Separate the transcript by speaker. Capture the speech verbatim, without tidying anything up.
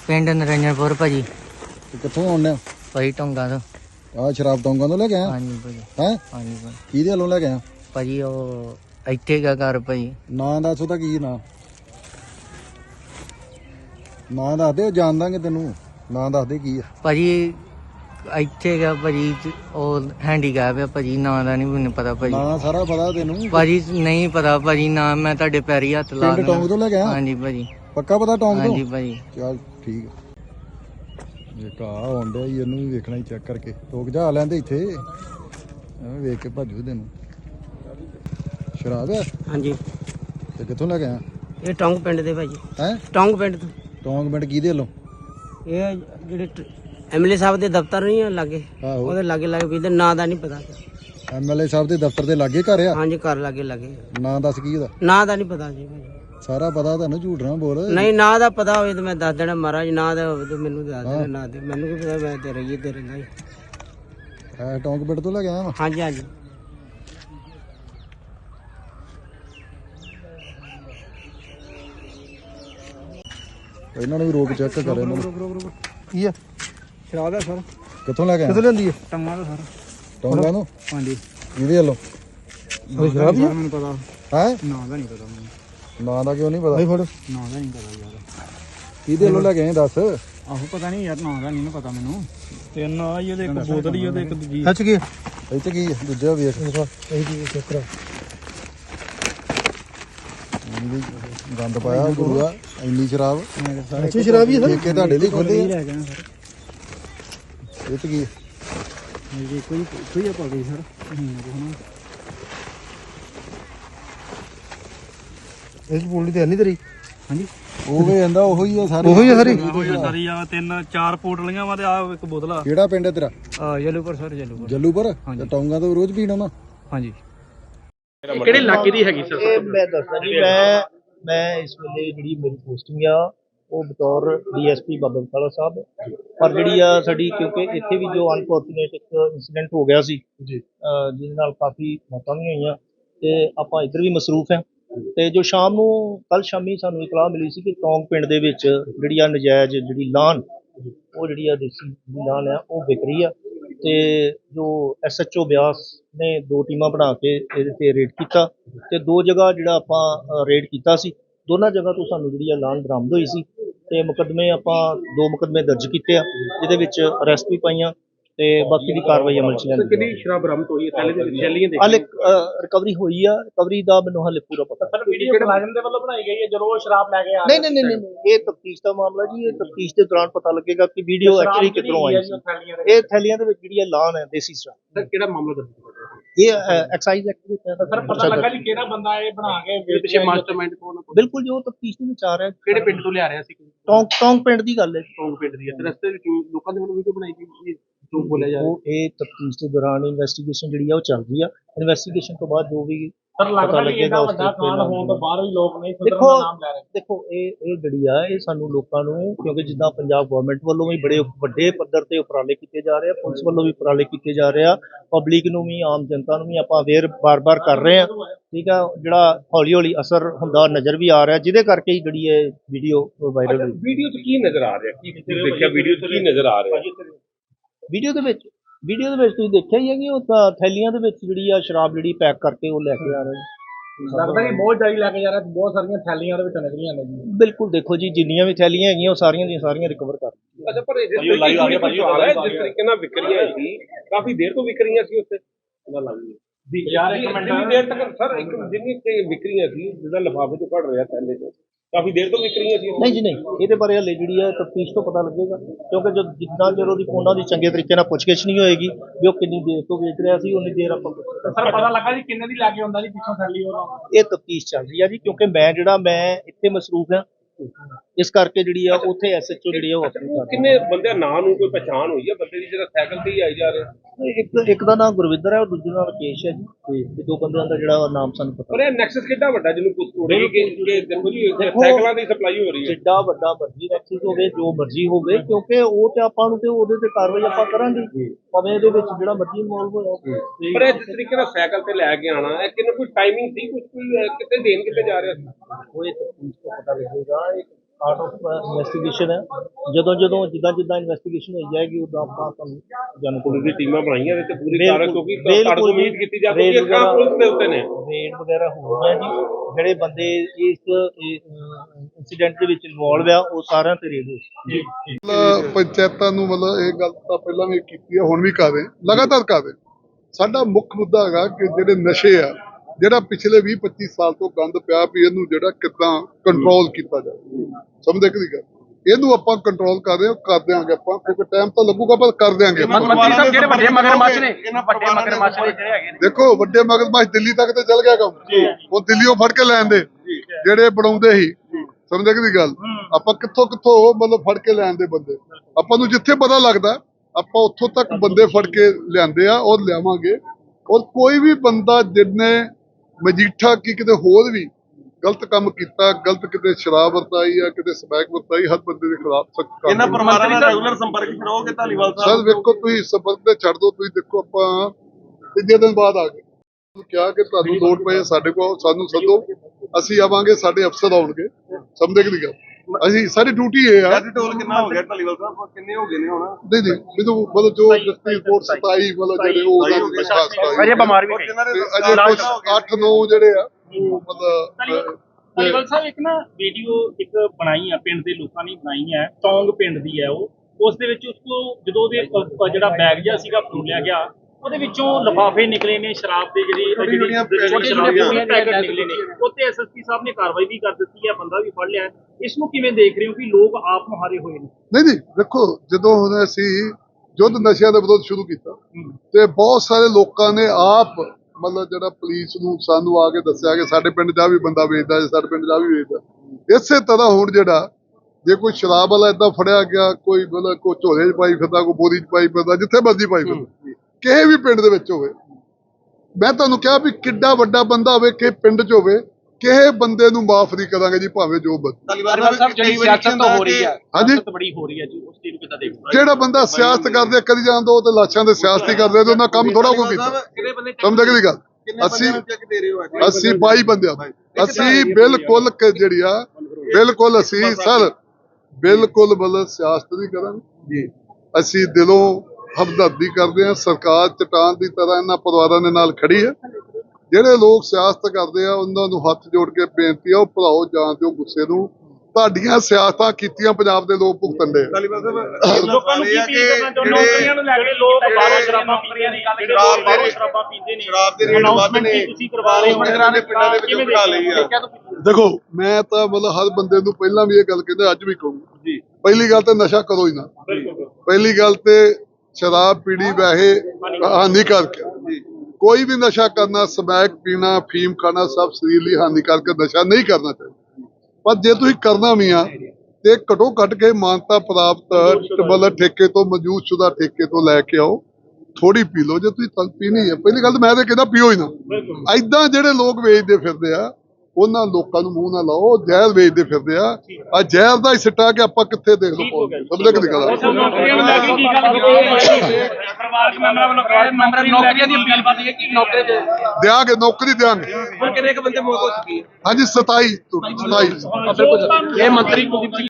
Speaker 1: ਪਿੰਡ ਨਰਿੰਜਨਪੁਰ ਭਾਜੀ।
Speaker 2: ਕਿੱਥੋਂ ਆਉਂਦੇ
Speaker 1: ਭਾਜੀ ਟੋਂਗਾ ਤੋਂ।
Speaker 2: ਆ ਸ਼ਰਾਬ ਟੋਂਗਾ ਤੋਂ ਲੈ ਕੇ ਆਇਆ?
Speaker 1: ਹਾਂਜੀ ਭਾਜੀ।
Speaker 2: ਹੈ
Speaker 1: ਹਾਂਜੀ ਭਾਜੀ।
Speaker 2: ਕਿਹਦੇ ਵੱਲੋਂ ਲੈ ਕੇ ਆਇਆ
Speaker 1: ਭਾਜੀ? ਉਹ ਇੱਥੇ ਗਾ ਘਰ ਭਾਜੀ।
Speaker 2: ਨਾਂ ਦੱਸ ਉਹਦਾ ਕੀ ਨਾਂ? ਨਾਂ ਦੱਸ ਦੇ, ਉਹ ਜਾਣ ਦਾਂਗੇ ਤੈਨੂੰ। ਨਾਂ ਦੱਸ ਦੇ ਕੀ ਆ
Speaker 1: ਭਾਜੀ ਇੱਥੇ ਗਾ ਭਾਜੀ। ਉਹ ਹੈਂਡੀਕੈਪ ਆ ਭਾਜੀ। ਨਾਂ ਦਾ ਨਹੀਂ ਮੈਨੂੰ ਪਤਾ ਭਾਜੀ।
Speaker 2: ਨਾਂ ਸਾਰਾ ਪਤਾ ਤੈਨੂੰ?
Speaker 1: ਭਾਜੀ ਨਹੀਂ ਪਤਾ ਭਾਜੀ। ਨਾਂ ਮੈਂ ਤੁਹਾਡੇ ਪੈਰੀ ਹੱਥ ਲਾ
Speaker 2: ਪਿੰਡ ਟੋਂਗ ਤੋਂ ਲੈ ਕੇ ਆਇਆ?
Speaker 1: ਹਾਂਜੀ ਭਾਜੀ।
Speaker 2: ਪੱਕਾ ਪਤਾ ਟੋਂਗ ਤੋਂ?
Speaker 1: ਹਾਂਜੀ ਭਾਜੀ।
Speaker 2: ਚੱਲ ਠੀਕ ਆ। ਇੱਕ ਆ ਆਉਂਦਾ ਹੀ, ਇਹਨੂੰ ਵੀ ਵੇਖਣਾ ਹੀ ਚੈੱਕ ਕਰਕੇ। ਟੋਕ ਜਾ ਲੈਂਦੇ ਇੱਥੇ, ਐਵੇਂ ਵੇਖ ਕੇ ਭੱਜੂ ਤੈਨੂੰ। ਸ਼ਰਾਬ ਹੈ?
Speaker 3: ਹਾਂਜੀ।
Speaker 2: ਤੇ ਕਿੱਥੋਂ ਲੈ ਕੇ ਆਇਆ?
Speaker 3: ਇਹ ਟੌਂਗ ਪਿੰਡ ਦੇ ਭਾਜੀ।
Speaker 2: ਹੈ
Speaker 3: ਟੌਂਗ ਪਿੰਡ ਤੋਂ।
Speaker 2: ਟੋਂਗ ਪਿੰਡ ਕਿਹਦੇ ਵੱਲੋਂ?
Speaker 3: ਇਹ ਜਿਹੜੇ ਐਮਐਲਏ ਸਾਹਿਬ ਦੇ ਦਫ਼ਤਰ ਨਹੀਂ ਆ ਲਾਗੇ,
Speaker 2: ਆਹੋ
Speaker 3: ਉਹਦੇ ਲਾਗੇ ਲਾਗੇ ਵੀ ਇਹਦੇ ਨਾਂ ਦਾ ਨਹੀਂ ਪਤਾ।
Speaker 2: ਐਮਐਲਏ ਸਾਹਿਬ ਦੇ ਦਫ਼ਤਰ ਦੇ ਲਾਗੇ ਘਰ ਆ?
Speaker 3: ਹਾਂਜੀ ਘਰ ਲਾਗੇ ਲਾਗੇ।
Speaker 2: ਨਾਂ ਦੱਸ ਕੀ ਉਹਦਾ?
Speaker 3: ਨਾਂ ਦਾ ਨਹੀਂ ਪਤਾ ਜੀ ਭਾਜੀ।
Speaker 2: ਸਾਰਾ ਪਤਾ ਤੁਹਾਨੂੰ, ਝੂਠ ਨਾ ਬੋਲ।
Speaker 3: ਨਹੀਂ ਨਾਂ ਦਾ ਪਤਾ ਹੋਵੇ ਤਾਂ ਮੈਂ ਦੱਸ ਦੇਣਾ ਮਹਾਰਾਜ। ਨਾਂ ਦਾ ਹੋਵੇ ਤਾਂ ਮੈਨੂੰ ਦੱਸ ਦੇਣਾ। ਨਾਂ ਦੇ ਮੈਨੂੰ ਕੀ ਪਤਾ, ਮੈਂ ਤੇ ਰਹੀ ਤੇ ਰਹਿੰਦਾ ਜੀ।
Speaker 2: ਐ ਟੋਂਗ ਪਿੰਡ ਤੋਂ ਲੈ ਕੇ ਆਇਆ ਵਾ?
Speaker 3: ਹਾਂਜੀ ਹਾਂਜੀ।
Speaker 2: ਇਹਨਾਂ ਨੂੰ ਵੀ ਰੋਕ ਚੈੱਕ ਕਰ ਇਹਨਾਂ ਨੂੰ।
Speaker 4: ਕੀ ਆ? ਸ਼ਰਾਬ ਹੈ ਸਰ।
Speaker 2: ਕਿੱਥੋਂ ਲੈ ਕੇ ਆਇਆ?
Speaker 4: ਕਿੱਥੋਂ ਲੈਂਦੀ ਹੈ? ਟੰਗਾ ਦਾ ਸਰ।
Speaker 2: ਟੋਂਗਾ ਨੂੰ?
Speaker 4: ਹਾਂਜੀ।
Speaker 2: ਕਿਹਦੇ ਵੱਲੋਂ?
Speaker 4: ਉਹ ਸ਼ਰਾਬ ਹੀ ਮੈਨੂੰ ਪਤਾ।
Speaker 2: ਹੈ
Speaker 4: ਨਾਂ ਦਾ ਨਹੀਂ ਪਤਾ ਮੈਨੂੰ।
Speaker 2: ਨਾਂ ਦਾ ਕਿਉਂ ਨਹੀਂ ਪਤਾ?
Speaker 4: ਫੜ। ਨਾਂ ਦਾ ਨਹੀਂ ਪਤਾ ਯਾਰ।
Speaker 2: ਕਿਹਦੇ ਵੱਲੋਂ ਲੈ ਕੇ ਆਏ ਦੱਸ?
Speaker 4: ਆਹੋ ਪਤਾ ਨਹੀਂ ਯਾਰ, ਨਾਂ ਦਾ ਨਹੀਂ ਨਾ ਪਤਾ ਮੈਨੂੰ। ਤਿੰਨ ਆ ਹੀ ਉਹਦੇ, ਇੱਕ ਬੋਤਲ ਹੀ ਉਹਦੇ, ਇੱਕ ਦੂਜੀ। ਸੱਚ ਕੀ?
Speaker 2: ਇੱਥੇ ਕੀ ਆ? ਦੂਜਾ ਵੇਖ।
Speaker 4: ਇਹ ਕੀ ਚੱਕਰ?
Speaker 2: ਗੰਦ ਪਾਇਆ ਗੁਰੂਆ, ਇੰਨੀ ਸ਼ਰਾਬ।
Speaker 4: ਅੱਛੀ ਸ਼ਰਾਬ ਹੀ ਹੈ ਸਰ।
Speaker 2: ਠੇਕੇ ਤੁਹਾਡੇ ਲਈ ਖੋਲੇ ਆ?
Speaker 4: ਲੈ ਜਾਣਾ ਸਰ।
Speaker 2: ਇਹ ਚ ਕੀ ਆ?
Speaker 4: ਇਹ ਕੋਈ ਕੋਈ ਆ ਪਾ ਗਈ ਸਰ। ਇਸ ਬੋਲੀ ਤੇ ਨਹੀਂ ਤੇਰੀ? ਹਾਂਜੀ।
Speaker 2: ਉਹ ਵੀ ਜਾਂਦਾ ਉਹੋ ਹੀ ਆ ਸਾਰੇ।
Speaker 4: ਉਹੀ ਆ ਸਾਰੀ?
Speaker 5: ਸਾਰੀ ਆ ਤਿੰਨ ਚਾਰ ਪੋਟਲੀਆਂ ਵਾ ਤੇ ਆ ਇੱਕ ਬੋਤਲ ਆ।
Speaker 2: ਕਿਹੜਾ ਪਿੰਡ ਹੈ ਤੇਰਾ?
Speaker 4: ਆ ਯੈਲੋਪੁਰ ਸਰ। ਯੈਲੋਪੁਰ।
Speaker 2: ਜੱਲੂਪੁਰ? ਤੇ ਟੌਂਗਾ ਤੋਂ ਰੋਜ਼ ਪੀਣ ਆਉਣਾ?
Speaker 4: ਹਾਂਜੀ।
Speaker 5: ਕਿਹੜੇ ਇਲਾਕੇ ਦੀ ਹੈਗੀ ਸਰ?
Speaker 6: ਇਹ ਮੈਂ ਦੱਸਦਾ ਜੀ, ਮੈਂ ਮੈਂ ਇਸ ਵੇਲੇ ਜਿਹੜੀ ਮੇਰੀ ਪੋਸਟਿੰਗ ਆ ਉਹ ਬਤੌਰ ਡੀਐਸਪੀ ਬਾਬਾ ਬਕਾਲਾ ਸਾਹਿਬ। ਪਰ ਜਿਹੜੀ ਆ ਸਾਡੀ, ਕਿਉਂਕਿ ਇੱਥੇ ਵੀ ਜੋ ਅਨਫੋਰਚੂਨੇਟ ਇੱਕ ਇਨਸੀਡੈਂਟ ਹੋ ਗਿਆ ਸੀ ਜੀ, ਜਿਹਦੇ ਨਾਲ ਕਾਫੀ ਮੌਤਾਂ ਵੀ ਹੋਈਆਂ, ਤੇ ਆਪਾਂ ਇੱਧਰ ਵੀ ਮਸਰੂਫ ਹਾਂ। ਤੇ ਜੋ ਸ਼ਾਮ ਨੂੰ ਕੱਲ ਸ਼ਾਮੀ ਸਾਨੂੰ ਇਤਲਾਹ ਮਿਲੀ ਸੀ ਕਿ ਟੌਂਗ ਪਿੰਡ ਦੇ ਵਿੱਚ ਜਿਹੜੀ ਆ ਨਜਾਇਜ਼ ਜਿਹੜੀ ਲਾਨ, ਉਹ ਜਿਹੜੀ ਆ ਦੇਸੀ ਲਾਨ ਆ ਉਹ ਵਿਕ ਰਹੀ ਆ। ਤੇ ਜੋ ਐਸ ਐਚ ਓ ਬਿਆਸ ਨੇ ਦੋ ਟੀਮਾਂ ਬਣਾ ਕੇ ਇਹਦੇ ਤੇ ਰੇਡ ਕੀਤਾ, ਤੇ ਦੋ ਜਗ੍ਹਾ ਜਿਹੜਾ ਆਪਾਂ ਰੇਡ ਕੀਤਾ ਸੀ, ਦੋਨਾਂ ਜਗ੍ਹਾ ਤੋਂ ਸਾਨੂੰ ਜਿਹੜੀ ਆ ਲਾਨ ਬਰਾਮਦ ਹੋਈ ਸੀ। ਤੇ ਮੁਕੱਦਮੇ ਆਪਾਂ ਦੋ ਮੁਕੱਦਮੇ ਦਰਜ ਕੀਤੇ ਆ, ਜਿਹਦੇ ਵਿੱਚ ਅਰੈਸਟ ਵੀ ਪਾਈਆਂ ਤੇ ਬਾਕੀ ਦੀ ਕਾਰਵਾਈ ਅਮਲ ਚ ਲਿਆਂਦੀ।
Speaker 5: ਕਿੰਨੀ ਸ਼ਰਾਬ ਬਰਾਮਦ ਹੋਈ ਹੈ? ਥੈਲੇ ਦੇ ਵਿੱਚ ਥੈਲੀਆਂ ਦੇ
Speaker 6: ਹਾਲੇ ਰਿਕਵਰੀ ਹੋਈ ਆ, ਰਿਕਵਰੀ ਦਾ ਮੈਨੂੰ ਹਾਲੇ ਪੂਰਾ ਪਤਾ।
Speaker 5: ਸਰ ਵੀਡੀਓ ਮੁਲਾਜ਼ਮ ਦੇ ਵੱਲੋਂ ਬਣਾਈ ਗਈ ਹੈ ਜਦੋਂ ਉਹ ਸ਼ਰਾਬ ਲੈ ਕੇ ਆ
Speaker 6: ਨਹੀਂ ਨਹੀਂ ਨਹੀਂ ਨਹੀਂ, ਇਹ ਤਫਤੀਸ਼ ਦਾ ਮਾਮਲਾ ਜੀ। ਇਹ ਤਫਤੀਸ਼ ਦੇ ਦੌਰਾਨ ਪਤਾ ਲੱਗੇਗਾ ਕਿ ਵੀਡੀਓ ਐਕਚੁਅਲੀ ਕਿੱਧਰੋਂ ਆਈ ਸੀ। ਇਹ ਥੈਲੀਆਂ ਦੇ ਵਿੱਚ ਜਿਹੜੀ ਹੈ ਲਾਨ ਹੈ ਦੇਸੀ ਸ਼ਰਾਬ।
Speaker 5: ਸਰ ਕਿਹੜਾ ਮਾਮਲਾ ਦਰਜ ਕੀਤਾ?
Speaker 6: ਇਹ ਐਕਸਾਈਜ਼ ਐਕਟ ਦੇ ਤਹਿਤ
Speaker 5: ਸਰ ਪਤਾ ਲੱਗਾ ਜੀ ਕਿਹੜਾ ਬੰਦਾ ਇਹ ਬਣਾ ਕੇ ਪਿੱਛੇ ਮਾਸਟਰਮਾਈਂਡ ਕੋਲ?
Speaker 6: ਬਿਲਕੁਲ ਜੀ, ਉਹ ਤਫਤੀਸ਼ ਦੇ ਵਿੱਚ ਆ ਰਿਹਾ।
Speaker 5: ਕਿਹੜੇ ਪਿੰਡ ਤੋਂ ਲਿਆ ਰਿਹਾ ਸੀ?
Speaker 6: ਟੌਂਗ ਟੌਂਗ ਪਿੰਡ ਦੀ ਗੱਲ ਹੈ।
Speaker 5: ਟੌਂਗ ਪਿੰਡ ਦੀ ਹੈ। ਰਸਤੇ ਵਿੱਚ ਲੋਕਾਂ ਦੇ ਵੱਲੋਂ ਵੀਡੀਓ ਬਣਾਈ ਗਈ, ਜੋ ਬੋਲਿਆ ਜਾ ਰਿਹਾ।
Speaker 6: ਉਹ ਇਹ ਤਫਤੀਸ਼ ਦੇ ਦੌਰਾਨ ਇਨਵੈਸਟੀਗੇਸ਼ਨ ਜਿਹੜੀ ਆ ਉਹ ਚੱਲ ਰਹੀ ਆ। ਇਨਵੈਸਟੀਗੇਸ਼ਨ ਤੋਂ ਬਾਅਦ ਜੋ ਵੀ
Speaker 5: ਸਰ ਲੱਗਦਾ ਨਹੀਂ ਇਹਦਾ ਵੱਡਾ ਕਾਂਡ ਹੋਣ ਤੋਂ ਬਾਅਦ ਵੀ ਲੋਕ ਨਹੀਂ ਸੁਧਰਨ
Speaker 6: ਦੇਖੋ
Speaker 5: ਦਾ ਨਾਮ ਲੈ ਰਹੇ।
Speaker 6: ਦੇਖੋ ਇਹ ਇਹ ਜਿਹੜੀ ਆ, ਇਹ ਸਾਨੂੰ ਲੋਕਾਂ ਨੂੰ, ਕਿਉਂਕਿ ਜਿੱਦਾਂ ਪੰਜਾਬ ਗਵਰਨਮੈਂਟ ਵੱਲੋਂ ਵੀ ਬੜੇ ਵੱਡੇ ਪੱਧਰ ਤੇ ਉਪਰਾਲੇ ਕੀਤੇ ਜਾ ਰਹੇ ਆ, ਪੁਲਿਸ ਵੱਲੋਂ ਵੀ ਉਪਰਾਲੇ ਕੀਤੇ ਜਾ ਰਹੇ ਆ, ਪਬਲਿਕ ਨੂੰ ਵੀ, ਆਮ ਜਨਤਾ ਨੂੰ ਵੀ ਆਪਾਂ ਅਵੇਅਰ ਬਾਰ-ਬਾਰ ਕਰ ਰਹੇ ਆ। ਠੀਕ ਆ, ਜਿਹੜਾ ਹੌਲੀ ਹੌਲੀ ਅਸਰ ਹੁੰਦਾ ਨਜ਼ਰ ਵੀ ਆ ਰਿਹਾ, ਜਿਹਦੇ ਕਰਕੇ ਹੀ ਜਿਹੜੀ ਇਹ ਵੀਡੀਓ ਵਾਇਰਲ ਹੋਈ।
Speaker 5: ਵੀਡੀਓ 'ਚ ਕੀ ਨਜ਼ਰ ਆ ਰਿਹਾ? ਕੀ ਤੁਸੀਂ ਦੇਖਿਆ ਵੀਡੀਓ 'ਚ ਕੀ ਨਜ਼ਰ ਆ ਰਿਹਾ?
Speaker 6: ਵੀਡੀਓ ਦੇ ਵਿੱਚ ਵੀਡੀਓ ਦੇ ਵਿੱਚ ਤੁਸੀਂ ਦੇਖਿਆ ਹੀ ਹੈ ਕਿ ਉਹ ਤਾਂ ਥੈਲੀਆਂ ਦੇ ਵਿੱਚ ਜਿਹੜੀ ਆ ਸ਼ਰਾਬ ਜਿਹੜੀ ਪੈਕ ਕਰਕੇ ਉਹ ਲੈ ਕੇ ਆ ਰਹੇ।
Speaker 5: ਲੱਗਦਾ ਕਿ ਬਹੁਤ ਜਾਰੀ ਲੈ ਕੇ ਜਾ ਰਿਹਾ, ਬਹੁਤ ਸਾਰੀਆਂ ਥੈਲੀਆਂ ਦੇ ਵਿੱਚ ਨਿਕਲੀਆਂ ਨੇ ਜੀ।
Speaker 6: ਬਿਲਕੁਲ, ਦੇਖੋ ਜੀ, ਜਿੰਨੀਆਂ ਵੀ ਥੈਲੀਆਂ ਹੈਗੀਆਂ ਉਹ ਸਾਰੀਆਂ ਦੀਆਂ ਸਾਰੀਆਂ ਰਿਕਵਰ ਕਰ।
Speaker 5: ਅੱਛਾ, ਪਰ ਜਿਸ ਤਰੀਕੇ ਨਾਲ ਵਿਕ ਰਹੀਆਂ ਸੀ, ਕਾਫੀ ਦੇਰ ਤੋਂ ਵਿਕ ਰਹੀਆਂ ਸੀ ਉੱਥੇ ਯਾਰ, ਕਿੰਨੀ ਦੇਰ ਤੱਕ ਸਰ? ਇੱਕ ਜਿੰਨੀ ਵਿਕ ਰਹੀਆਂ ਸੀ, ਜਿਹਦਾ ਲਿਫਾਫੇ ਤੋਂ ਕੱਢ ਰਿਹਾ ਥੈਲੇ ਤੋਂ, ਕਾਫੀ ਦੇਰ ਤੋਂ ਵਿਕ ਰਹੀਆਂ ਸੀ।
Speaker 6: ਨਹੀਂ ਜੀ ਨਹੀਂ, ਇਹਦੇ ਬਾਰੇ ਹਲੇ ਜਿਹੜੀ ਹੈ ਤਫਤੀਸ਼ ਤੋਂ ਪਤਾ ਲੱਗੇਗਾ, ਕਿਉਂਕਿ ਜਦ ਜਿੱਦਾਂ ਜਦੋਂ ਦੀ ਉਹਨਾਂ ਦੀ ਚੰਗੇ ਤਰੀਕੇ ਨਾਲ ਪੁੱਛਗਿੱਛ ਨਹੀਂ ਹੋਏਗੀ ਵੀ ਉਹ ਕਿੰਨੀ ਦੇਰ ਤੋਂ ਵੇਚ ਰਿਹਾ ਸੀ, ਉਨੀ ਦੇਰ ਆਪਾਂ
Speaker 5: ਸਰ ਪਤਾ ਲੱਗਾ ਜੀ ਕਿੰਨੇ ਦੀ ਲੈ ਕੇ ਆਉਂਦਾ ਜੀ ਪਿੱਛੋਂ ਥੈਲੀ ਉਹ?
Speaker 6: ਇਹ ਤਫਤੀਸ਼ ਚੱਲ ਰਹੀ ਹੈ ਜੀ, ਕਿਉਂਕਿ ਮੈਂ ਜਿਹੜਾ ਮੈਂ ਇੱਥੇ ਮਸਰੂਫ ਹਾਂ, ਇਸ ਕਰਕੇ ਜਿਹੜੀ ਆ ਉੱਥੇ ਐਸ ਐਚ ਓ ਜਿਹੜੀ ਆ ਉਹ ਆਪਣੀ ਕਰ
Speaker 5: ਕਿੰਨੇ ਬੰਦੇ ਨਾਂ ਨੂੰ ਕੋਈ ਪਛਾਣ ਹੋਈ ਹੈ ਬੰਦੇ ਦੀ ਜਿਹੜਾ ਸਾਈਕਲ ਤੇ ਹੀ ਆਈ ਜਾ ਰਿਹਾ?
Speaker 6: ਇੱਕ ਇੱਕ ਦਾ ਨਾਮ ਗੁਰਵਿੰਦਰ ਹੈ ਔਰ ਦੂਜੇ ਦਾ ਰਕੇਸ਼ ਹੈ ਜੀ, ਤੇ ਦੋ ਬੰਦਿਆਂ ਦਾ ਜਿਹੜਾ ਨਾਮ ਸਾਨੂੰ ਪਤਾ।
Speaker 5: ਪਰ ਇਹ ਨੈਕਸਸ ਕਿੱਡਾ ਵੱਡਾ ਜਿਹਨੂੰ ਕੁਝ ਤੋੜੇਗੀ ਕਿ ਦੇਖੋ ਜੀ ਸਾਈਕਲਾਂ ਦੀ ਸਪਲਾਈ ਹੋ ਰਹੀ ਹੈ।
Speaker 6: ਜਿੱਡਾ ਵੱਡਾ ਮਰਜ਼ੀ ਨੈਕਸਸ ਹੋਵੇ, ਜੋ ਮਰਜ਼ੀ ਹੋਵੇ, ਕਿਉਂਕਿ ਉਹ ਤੇ ਆਪਾਂ ਨੂੰ ਤੇ ਉਹਦੇ ਤੇ ਕਾਰਵਾਈ ਆਪਾਂ ਕਰਾਂਗੇ, ਭਾਵੇਂ ਇਹਦੇ ਵਿੱਚ ਜਿਹੜਾ ਮਰਜ਼ੀ ਇਨਵੋਲਵ ਹੋਇਆ।
Speaker 5: ਪਰ ਇਹ ਜਿਸ ਤਰੀਕੇ ਨਾਲ ਸਾਈਕਲ ਤੇ ਲੈ ਕੇ ਆਣਾ ਹੈ, ਕਿੰਨੇ ਕੋਈ ਟਾਈਮਿੰਗ ਸੀ, ਕੁਝ ਕੋਈ ਕਿਤੇ ਦੇਣ ਕਿਤੇ ਜਾ ਰਿਹਾ ਸੀ?
Speaker 6: ਉਹ ਇਹ ਤਫਤੀਸ਼ ਤੋਂ ਪਤਾ ਲੱਗੇਗਾ। ਪਾਰਟ ਆਫ ਇਨਵੈਸਟੀਗੇਸ਼ਨ ਹੈ। ਜਦੋਂ ਜਦੋਂ ਜਿੱਦਾਂ ਜਿੱਦਾਂ ਇਨਵੈਸਟੀਗੇਸ਼ਨ ਹੋਈ ਜਾਏਗੀ ਉਦੋਂ ਆਪਾਂ ਤੁਹਾਨੂੰ ਜਾਣਕਾਰੀ
Speaker 5: ਪੁਲਿਸ ਦੀ ਟੀਮਾਂ ਬਣਾਈਆਂ ਤੇ ਪੂਰੀ
Speaker 6: ਬਿਲਕੁਲ,
Speaker 5: ਕਾਰਜ ਕਿਉਂਕਿ
Speaker 6: ਬਿਲਕੁਲ
Speaker 5: ਤੁਹਾਡੇ ਤੋਂ
Speaker 6: ਜੀ।
Speaker 5: ਉਮੀਦ ਕੀਤੀ ਜਾ ਸਕਦੀ
Speaker 6: ਰੇਡ
Speaker 5: ਹੈ ਕਿ ਆਹ ਪੁਲਿਸ ਦੇ ਉੱਤੇ ਨੇ
Speaker 6: ਰੇਡ ਵਗੈਰਾ ਹੋ ਰਹੀਆਂ ਜੀ। ਜਿਹੜੇ ਬੰਦੇ ਇਸ ਇਨਸੀਡੈਂਟ ਦੇ ਵਿੱਚ ਇਨਵੋਲਵ ਆ ਉਹ ਸਾਰਿਆਂ ਤੇ ਰੇਡ ਹੋਈ ਜੀ।
Speaker 2: ਮਤਲਬ ਪੰਚਾਇਤਾਂ ਨੂੰ ਮਤਲਬ ਇਹ ਗੱਲ ਤਾਂ ਪਹਿਲਾਂ ਵੀ ਕੀਤੀ ਹੈ, ਹੁਣ ਵੀ ਕਰ ਰਹੇ, ਲਗਾਤਾਰ ਕਰ ਰਹੇ। ਸਾਡਾ ਮੁੱਖ ਮੁੱਦਾ ਹੈਗਾ ਕਿ ਜਿਹੜੇ ਨਸ਼ੇ ਆ, ਜਿਹੜਾ ਪਿਛਲੇ ਵੀਹ ਪੱਚੀ ਸਾਲ ਤੋਂ ਗੰਦ ਪਿਆ ਵੀ ਇਹਨੂੰ ਜਿਹੜਾ ਕਿੱਦਾਂ ਕੰਟਰੋਲ ਕੀਤਾ ਜਾਵੇ। ਸਮਝਦੇ ਕਿ ਗੱਲ, ਇਹਨੂੰ ਆਪਾਂ ਕੰਟਰੋਲ ਕਰ ਰਹੇ ਹਾਂ, ਕਰ ਦਿਆਂਗੇ ਆਪਾਂ, ਕਿਉਂਕਿ ਟਾਈਮ ਤਾਂ ਲੱਗੂਗਾ ਪਰ ਕਰ ਦਿਆਂਗੇ।
Speaker 5: ਮੰਤਰੀ ਸਾਹਿਬ ਜਿਹੜੇ ਵੱਡੇ ਮਗਰਮੱਛ ਨੇ ਇਹਨਾਂ ਵੱਡੇ ਮਗਰਮੱਛ ਨੇ ਜਿਹੜੇ ਹੈਗੇ ਨੇ,
Speaker 2: ਦੇਖੋ ਵੱਡੇ ਮਗਰਮੱਛ ਦਿੱਲੀ ਤੱਕ ਤੇ ਚੱਲ ਗਿਆ ਕੰਮ, ਉਹ ਦਿੱਲੀੋਂ ਫੜ ਕੇ ਲੈਣ ਦੇ ਜਿਹੜੇ ਬਣਾਉਂਦੇ ਸੀ। ਸਮਝਦੇ ਕਿ ਗੱਲ, ਆਪਾਂ ਕਿੱਥੋਂ ਕਿੱਥੋਂ ਮਤਲਬ ਫੜ ਕੇ ਲੈਣ ਦੇ ਬੰਦੇ, ਆਪਾਂ ਨੂੰ ਜਿੱਥੇ ਪਤਾ ਲੱਗਦਾ ਆਪਾਂ ਉੱਥੋਂ ਤੱਕ ਬੰਦੇ ਫੜ ਕੇ ਲਿਆਂਦੇ ਆ ਔਰ ਲਿਆਵਾਂਗੇ। ਔਰ ਕੋਈ ਵੀ ਬੰਦਾ ਜਿਹਨੇ ਮਜੀਠਾ ਕੀ ਕਿਤੇ ਹੋਰ ਵੀ ਗਲਤ ਕੰਮ ਕੀਤਾ, ਗਲਤ ਕਿਤੇ ਸ਼ਰਾਬ ਵਰਤਾਈ ਆ, ਕਿਤੇ ਸਮੈਕ ਵਰਤਾਈ, ਹਰ ਬੰਦੇ ਦੇ ਖਿਲਾਫ ਸਖਤ ਕਾਰਵਾਈ।
Speaker 5: ਇਹਨਾਂ ਪਰਮਾਤਮਾ ਨਾਲ ਰੈਗੂਲਰ ਸੰਪਰਕ ਚ ਰਹੋਗੇ ਧਾਲੀਵਾਲ ਸਾਹਿਬ?
Speaker 2: ਸਰ ਵੇਖੋ ਤੁਸੀਂ ਸੰਪਰਕ ਤੇ ਛੱਡ ਦੋ, ਤੁਸੀਂ ਦੇਖੋ ਆਪਾਂ ਤੀਜੇ ਦਿਨ ਬਾਅਦ ਆ ਗਏ, ਕਿਹਾ ਕਿ ਤੁਹਾਨੂੰ ਲੋੜ ਪਏ ਸਾਡੇ ਕੋਲ ਸਾਨੂੰ ਸੱਦੋ, ਅਸੀਂ ਆਵਾਂਗੇ, ਸਾਡੇ ਅਫਸਰ ਆਉਣਗੇ। ਸਮਝਦੇ ਕਿ ਗੱਲ, ਅਸੀਂ ਸਾਡੀ ਡਿਊਟੀ ਇਹ ਆ।
Speaker 5: ਟੋਲ ਕਿੰਨਾ ਹੋ ਗਿਆ ਧਾਲੀਵਾਲ ਸਾਹਿਬ, ਕਿੰਨੇ ਹੋ ਗਏ ਨੇ ਹੁਣ?
Speaker 2: ਨਹੀਂ ਨਹੀਂ ਮੈਨੂੰ ਮਤਲਬ ਜੋ ਡਿਸਟ੍ਰਿਕਟ ਕੋਰਟ ਸਤਾਈ ਮਤਲਬ ਜਿਹੜੇ ਉਹ
Speaker 5: ਅਜੇ ਬਿਮਾਰ ਵੀ
Speaker 2: ਅਜੇ ਕੁਝ ਅੱਠ ਨੌ ਜਿਹੜੇ ਆ ਉਹ ਮਤਲਬ
Speaker 4: ਧਾਲੀਵਾਲ ਸਾਹਿਬ ਇੱਕ ਨਾ ਵੀਡੀਓ ਇੱਕ ਬਣਾਈ ਆ, ਪਿੰਡ ਦੇ ਲੋਕਾਂ ਨੇ ਬਣਾਈ ਹੈ, ਚੌਂਗ ਪਿੰਡ ਦੀ ਹੈ ਉਹ। ਉਸ ਦੇ ਵਿੱਚ ਉਸਕੋ ਜਦੋਂ ਉਹਦੇ ਅਹ ਜਿਹੜਾ ਬੈਗ ਜਿਹਾ ਸੀਗਾ ਫੋਲਿਆ ਗਿਆ, ਉਹਦੇ ਵਿੱਚੋਂ ਲਿਫਾਫੇ ਨਿਕਲੇ ਨੇ ਸ਼ਰਾਬ ਦੇ, ਜਿਹੜੀ ਛੋਟੇ ਛੋਟੇ ਪੈਕਟ ਨਿਕਲੇ ਨੇ। ਉੱਤੇ ਐਸਐਸਪੀ ਸਾਹਿਬ ਨੇ ਕਾਰਵਾਈ ਵੀ ਕਰ ਦਿੱਤੀ ਹੈ, ਬੰਦਾ ਵੀ ਫੜ ਲਿਆ। ਇਸ ਨੂੰ ਕਿਵੇਂ ਦੇਖ ਰਹੇ ਹੋ ਕਿ ਲੋਕ ਆਪ ਮੁਹਾਰੇ ਹੋਏ ਨੇ?
Speaker 2: ਨਹੀਂ ਨਹੀਂ ਦੇਖੋ, ਜਦੋਂ ਹੁਣ ਅਸੀਂ ਯੁੱਧ ਨਸ਼ਿਆਂ ਦੇ ਵਿਰੁੱਧ ਸ਼ੁਰੂ ਕੀਤਾ ਤੇ ਬਹੁਤ ਸਾਰੇ ਲੋਕਾਂ ਨੇ ਆਪ ਮਤਲਬ ਜਿਹੜਾ ਪੁਲਿਸ ਨੂੰ ਸਾਨੂੰ ਆ ਕੇ ਦੱਸਿਆ ਕਿ ਸਾਡੇ ਪਿੰਡ ਦਾ ਵੀ ਬੰਦਾ ਵੇਚਦਾ, ਸਾਡੇ ਪਿੰਡ ਦਾ ਵੀ ਵੇਚਦਾ। ਇਸੇ ਤਰ੍ਹਾਂ ਹੁਣ ਜਿਹੜਾ ਜੇ ਕੋਈ ਸ਼ਰਾਬ ਵਾਲਾ ਏਦਾਂ ਫੜਿਆ ਗਿਆ, ਕੋਈ ਮਤਲਬ ਕੋਈ ਝੋਲੇ 'ਚ ਪਾਈ ਫਿਰਦਾ, ਕੋਈ ਬੋਰੀ 'ਚ ਪਾਈ ਫਿਰਦਾ, ਜਿੱਥੇ ਮਰਜ਼ੀ ਪਾਈ ਫਿਰਦਾ, ਕਿਸੇ ਵੀ ਪਿੰਡ ਦੇ ਵਿੱਚ ਹੋਵੇ, ਮੈਂ ਤੁਹਾਨੂੰ ਕਿਹਾ ਵੀ ਕਿੱਡਾ ਵੱਡਾ ਬੰਦਾ ਹੋਵੇ, ਕਿ ਪਿੰਡ 'ਚ ਹੋਵੇ, ਕਿਸੇ ਬੰਦੇ ਨੂੰ ਮਾਫ ਨਹੀਂ ਕਰਾਂਗੇ ਜੀ, ਭਾਵੇਂ ਜੋ ਬੰਦਾ।
Speaker 5: ਧਾਲੀਵਾਲ ਸਾਹਿਬ ਜਿਹੜੀ ਸਿਆਸਤ ਤਾਂ ਹੋ ਰਹੀ ਹੈ,
Speaker 2: ਹਾਂਜੀ
Speaker 4: ਬੜੀ ਹੋ ਰਹੀ ਹੈ ਜੀ, ਉਸ ਚੀਜ਼ ਨੂੰ ਕਿੱਦਾਂ ਦੇਖਦੇ ਹੋ?
Speaker 2: ਜਿਹੜਾ ਬੰਦਾ ਸਿਆਸਤ ਕਰਦੇ ਕਰੀ ਜਾਣ ਦੋ ਤੇ ਲਾਸ਼ਾਂ ਦੇ ਸਿਆਸਤੀ ਕਰਦੇ ਤੇ ਉਹਨਾਂ ਕੰਮ ਥੋੜਾ ਕੋ ਕੀਤਾ। ਸਮਝਦੇ ਕਿ ਗੱਲ, ਅਸੀਂ ਅਸੀਂ ਬਾਈ ਬੰਦੇ ਆ, ਅਸੀਂ ਬਿਲਕੁਲ ਕਿ ਜਿਹੜੀ ਆ ਬਿਲਕੁਲ ਅਸੀਂ ਸਰ ਬਿਲਕੁਲ ਮਤਲਬ ਸਿਆਸਤ ਨਹੀਂ ਕਰਾਂਗੇ ਜੀ। ਅਸੀਂ ਦਿਲੋਂ ਹਮਦਰਦੀ ਕਰਦੇ ਹਾਂ। ਸਰਕਾਰ ਚਟਾਨ ਦੀ ਤਰ੍ਹਾਂ ਇਹਨਾਂ ਪਰਿਵਾਰਾਂ ਦੇ ਨਾਲ ਖੜੀ ਹੈ। ਜਿਹੜੇ ਲੋਕ ਸਿਆਸਤ ਕਰਦੇ ਆ ਉਹਨਾਂ ਨੂੰ ਹੱਥ ਜੋੜ ਕੇ ਬੇਨਤੀ ਆ, ਉਹ ਭੁਲਾਓ ਜਾਣ ਦਿਓ ਗੁੱਸੇ ਨੂੰ। ਤੁਹਾਡੀਆਂ ਸਿਆਸਤਾਂ ਕੀਤੀਆਂ ਪੰਜਾਬ ਦੇ ਲੋਕ ਭੁਗਤਣ ਦੇ।
Speaker 4: ਲੋਕਾਂ ਨੂੰ ਕੀ ਅਪੀਲ ਕਰਨਾ ਚਾਹੁੰਦੇ? ਨੌਕਰੀਆਂ ਨੂੰ ਲੈ ਕੇ ਲੋਕ ਬਾਹਰੋਂ ਸ਼ਰਾਬਾਂ ਪੀਂਦੇ ਨੇ, ਜਿਹੜੇ ਲੋਕ ਬਾਹਰੋਂ ਸ਼ਰਾਬਾਂ ਪੀਂਦੇ ਨੇ, ਸ਼ਰਾਬ ਦੇ ਰੇਟ ਵੱਧ ਨੇ, ਤੁਸੀਂ ਕਰਵਾ ਰਹੇ ਹੋ ਪਿੰਡਾਂ ਦੇ ਵਿੱਚੋਂ ਕਢਾ ਲਈ ਆ।
Speaker 2: ਦੇਖੋ ਮੈਂ ਤਾਂ ਮਤਲਬ ਹਰ ਬੰਦੇ ਨੂੰ ਪਹਿਲਾਂ ਵੀ ਇਹ ਗੱਲ ਕਹਿੰਦੇ, ਅੱਜ ਵੀ ਕਹੂੰਗਾ ਜੀ, ਪਹਿਲੀ ਗੱਲ ਤਾਂ ਨਸ਼ਾ ਕਰੋ ਹੀ ਨਾ। ਪਹਿਲੀ ਗੱਲ ਤੇ ਸ਼ਰਾਬ ਪੀਣੀ ਵੈਸੇ ਹਾਨੀਕਾਰਕ ਹੈ। ਕੋਈ ਵੀ ਨਸ਼ਾ ਕਰਨਾ, ਸਮੈਕ ਪੀਣਾ, ਫੀਮ ਖਾਣਾ ਸਭ ਸਰੀਰ ਲਈ ਹਾਨੀਕਾਰਕ, ਨਸ਼ਾ ਨਹੀਂ ਕਰਨਾ ਚਾਹੀਦਾ। ਪਰ ਜੇ ਤੁਸੀਂ ਕਰਨਾ ਵੀ ਆ ਤੇ ਘਟੋ ਘੱਟ ਕੇ ਮਾਨਤਾ ਪ੍ਰਾਪਤ ਮਤਲਬ ਠੇਕੇ ਤੋਂ, ਮੌਜੂਦਸ਼ੁਦਾ ਠੇਕੇ ਤੋਂ ਲੈ ਕੇ ਆਓ, ਥੋੜੀ ਪੀ ਲਓ। ਜੇ ਤੁਸੀਂ ਪੀਣੀ ਹੈ, ਪਹਿਲੀ ਗੱਲ ਤਾਂ ਮੈਂ ਤਾਂ ਕਹਿੰਦਾ ਪੀਓ ਹੀ ਨਾ। ਏਦਾਂ ਜਿਹੜੇ ਲੋਕ ਵੇਚਦੇ ਫਿਰਦੇ ਆ ਉਹਨਾਂ ਲੋਕਾਂ ਨੂੰ ਮੂੰਹ ਨਾ ਲਾਓ, ਜ਼ਹਿਰ ਵੇਚਦੇ ਫਿਰਦੇ ਆ। ਆ ਜ਼ਹਿਰ ਦਾ ਹੀ ਸਿੱਟਾ ਕਿ ਆਪਾਂ ਕਿੱਥੇ ਦੇਖ ਲਓ, ਸਮਝਦੇ ਕਿ ਗੱਲ
Speaker 4: ਨੌਕਰੀਆਂ ਨੂੰ ਲੈ ਕੇ ਕੀ ਗੱਲ ਪਰਿਵਾਰਕ ਮੈਂਬਰਾਂ ਵੱਲੋਂ ਨੌਕਰੀਆਂ ਦੀ ਅਪੀਲ ਕੀਤੀ ਹੈ ਕਿ ਨੌਕਰੀ ਦੇ
Speaker 2: ਦਿਆਂਗੇ, ਨੌਕਰੀ ਦਿਆਂਗੇ।
Speaker 5: ਹੁਣ ਕਿੰਨੇ ਕੁ ਬੰਦੇ ਮੌਤ ਹੋ ਚੁੱਕੀ ਹੈ?
Speaker 2: ਹਾਂਜੀ ਸਤਾਈ ਸਤਾਈ
Speaker 5: ਇਹ ਮੰਤਰੀ ਕੁਲਦੀਪ ਸਿੰਘ